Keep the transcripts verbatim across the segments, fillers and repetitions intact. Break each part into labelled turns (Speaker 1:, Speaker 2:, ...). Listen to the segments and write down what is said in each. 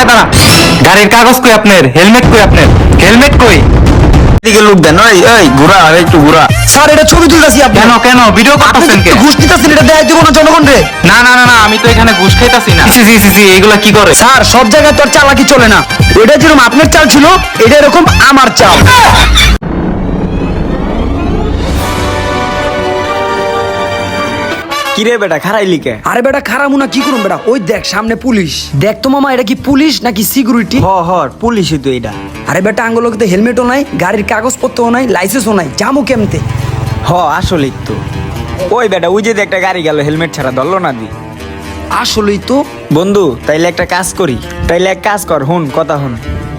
Speaker 1: এই দাঁড়া, গাড়ির কাগজ কই আপনার? হেলমেট কই আপনার? হেলমেট কই?
Speaker 2: দিকে লোক দেন। ওই ওই ঘোরা আর একটু ঘোরা।
Speaker 3: স্যার এটা ছবি তুলতেছি আপনি
Speaker 1: কেন কেন ভিডিও করতেছেন কে?
Speaker 3: ঘুষ দিতেছেন, এটা দেখাই দিব না জনগণ রে।
Speaker 1: না না না না, আমি তো এখানে ঘুষ খাইতাছি না। জি জি জি জি, এগুলা কি করে?
Speaker 3: স্যার সব জায়গায় তোর চালাকি চলে না। এটা যেরকম আপনার চাল ছিল, এটা এরকম আমার চাল।
Speaker 2: কিরে বেটা খারাইলি কে?
Speaker 3: আরে বেটা খারাপ না, কি করুন বেটা? ওই দেখ সামনে পুলিশ। দেখ তো মামা, এটা কি পুলিশ নাকি সিকিউরিটি?
Speaker 2: হ হ পুলিশই তো এটা।
Speaker 3: আরে বেটা আঙ্গুলোকে তো হেলমেটও নাই, গাড়ির কাগজপত্রও নাই, লাইসেন্সও নাই, জামু কেমতে?
Speaker 2: হ আসলেই তো। ওই বেটা ওই যে একটা গাড়ি গেল হেলমেট ছাড়া, ধরলো না দি।
Speaker 3: আসলেই তো।
Speaker 2: বন্ধু তাইলে একটা কাজ করি, তাইলে এক কাজ কর, হুন কথা হুন।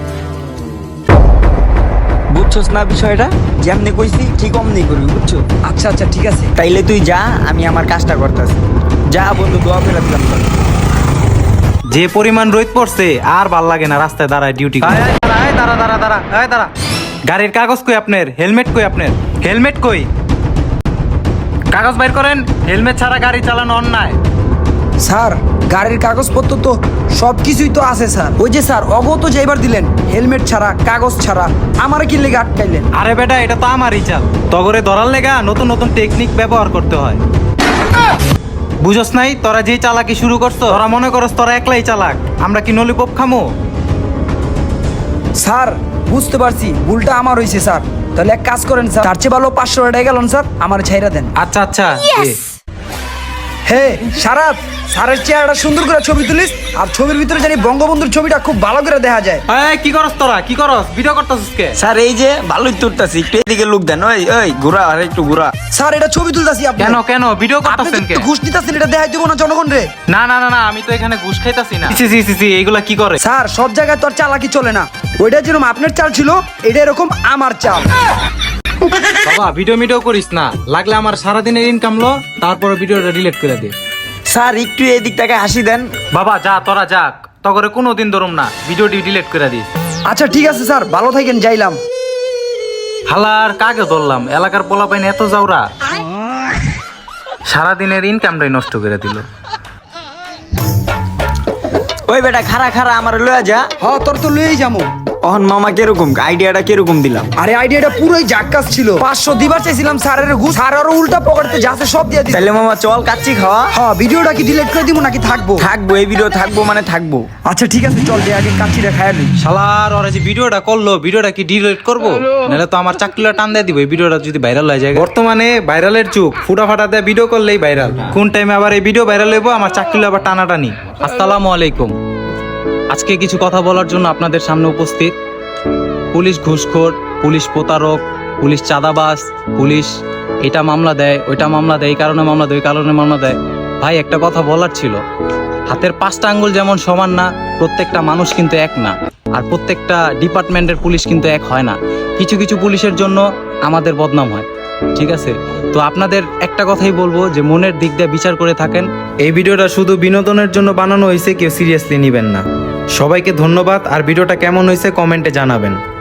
Speaker 2: বুঝছস না বিষয়টা? যেমনি কইছি ঠিক অমনি করবি, বুঝছো?
Speaker 3: আচ্ছা আচ্ছা ঠিক আছে।
Speaker 2: তাইলে তুই যা, আমি আমার কাজটা করতেছি। যা বন্ধু, দোয়া করে দিলাম তোর।
Speaker 1: যে পরিমাণ রোদ পড়ছে আর ভাল লাগে না রাস্তায় দাঁড়ায় ডিউটি করে। এই দাঁড়া, এই দাঁড়া দাঁড়া দাঁড়া, এই দাঁড়া। গাড়ির কাগজ কই আপনার? হেলমেট কই আপনার? হেলমেট কই? কাগজ বাইর করেন। হেলমেট ছাড়া গাড়ি চালানো অন্যায়।
Speaker 3: স্যার গাড়ির কাগজপত্র তো সব কিছুই তো আছে স্যার। ওই যে স্যার অগত যে এবার দিলেন হেলমেট ছাড়া, কাগজ ছাড়া, আমারে কি লেগে আটকাইলেন?
Speaker 1: আরে বেটা, এটা তো আমারই চাল। তগরে ধরার লেগা নতুন নতুন টেকনিক ব্যবহার করতে হয়। বুঝস নাই? তোরা যেই চালাকি শুরু করছো, তোরা মনে করস তোরা একলাই চালাক। আমরা কি নলিপপ খামো?
Speaker 3: স্যার বুঝতে পারছি ভুলটা আমার হয়েছে স্যার। তাহলে এক কাজ করেন স্যার, তার চেয়ে ভালো পাঁচশো টাকা গেলেন স্যার, আমার ছাইরা দেন।
Speaker 1: আচ্ছা আচ্ছা, এ।
Speaker 3: হে সারাত, স্যারের চেহারাটা সুন্দর করে ছবি তুলিস, আর ছবির ভিতরে জানি বঙ্গবন্ধুর ছবিটা খুব ভালো করে দেখা যায়।
Speaker 1: এই কি করস তোরা? কি করস? ভিডিও করতেছিস কে?
Speaker 2: স্যার এই যে ভালোই তুলতাছি, একটু এদিকে লোক দেন। ওই ওই ঘোরা আর একটু ঘোরা।
Speaker 3: স্যার এটা ছবি তুলতাছি আপনি।
Speaker 1: কেন কেন ভিডিও
Speaker 3: আপনি
Speaker 1: করতেছেন কে?
Speaker 3: তো ঘুষ দিতেছেন, এটা দেখাই দিব না জনগণ রে।
Speaker 1: না না না না, আমি তো এখানে ঘুষ খাইতাছি না। জি জি জি জি, এগুলা কি করে?
Speaker 3: স্যার সব জায়গায় তোর চালাকি চলে না। ওইটা যেরকম আপনার চাল ছিল, এটা এরকম আমার চাল।
Speaker 1: বাবা ভিডিও মিডিও করিস না, লাগলে আমার সারাদিনের ইনকাম লো, তারপরে ভিডিওটা ডিলিট করে দে।
Speaker 2: স্যার একটু এদিক থেকে হাসি দেন।
Speaker 1: বাবা যা, তোরা যাক, তগরে কোনোদিন ধরুম না, ভিডিওটি ডিলিট করে দিস।
Speaker 3: আচ্ছা ঠিক আছে স্যার, ভালো থাকেন, যাইলাম।
Speaker 1: হালার কাকে ধরলাম, এলাকার পোলাপাইন এত যাওরা, সারাদিনের ইনকামটাই নষ্ট করে দিল।
Speaker 2: ওই বেটা খারা খারা আমার লয়া যা।
Speaker 3: হ তোর তো লয়েই যাবো।
Speaker 2: অহন মামা কিরকম আইডিয়াটা কিরকম দিলাম?
Speaker 3: আরে আইডিয়াটা পুরোই জাক্কাস ছিল। পাঁচশো দিবার চাইছিলাম স্যারের ঘুষ, স্যার আরো উল্টা পকেটে যাচ্ছে সব দিয়ে দিচ্ছে।
Speaker 2: তাহলে মামা চল কাচ্চি খাওয়া।
Speaker 3: হ্যাঁ ভিডিওটা কি ডিলিট করে দিব নাকি থাকবো?
Speaker 2: থাকবো, এই ভিডিও থাকবো মানে থাকবো।
Speaker 3: আচ্ছা ঠিক আছে চল, যে আগে কাচ্চিটা খাইয়া নিই।
Speaker 1: শালার ওরা যে ভিডিওটা করলো, ভিডিওটা কি ডিলিট করবো? নাহলে তো আমার চাকরিটা টান দিয়ে দিব এই ভিডিওটা যদি ভাইরাল হয়ে যায়। বর্তমানে ভাইরালের যুগ, ফুটা ফাটা দিয়ে ভিডিও করলেই ভাইরাল। কোন টাইমে আবার এই ভিডিও ভাইরাল হইব, আমার চাকরি আবার টানাটানি। আসসালামু আলাইকুম। আজকে কিছু কথা বলার জন্য আপনাদের সামনে উপস্থিত। পুলিশ ঘুষখোর, পুলিশ প্রতারক, পুলিশ চাঁদাবাজ, পুলিশ এটা মামলা দেয়, ওইটা মামলা দেয়, এই কারণে মামলা দেয়, ওই কারণে মামলা দেয়। ভাই একটা কথা বলার ছিল, হাতের পাঁচটা আঙ্গুল যেমন সমান না, প্রত্যেকটা মানুষ কিন্তু এক না, আর প্রত্যেকটা ডিপার্টমেন্টের পুলিশ কিন্তু এক হয় না। কিছু কিছু পুলিশের জন্য আমাদের বদনাম হয়, ঠিক আছে? তো আপনাদের একটা কথাই বলবো যে মনের দিক দিয়ে বিচার করে থাকেন। এই ভিডিওটা শুধু বিনোদনের জন্য বানানো হয়েছে, কেউ সিরিয়াসলি নেবেন না। সবাইকে ধন্যবাদ, আর ভিডিওটা কেমন হয়েছে কমেন্টে জানাবেন।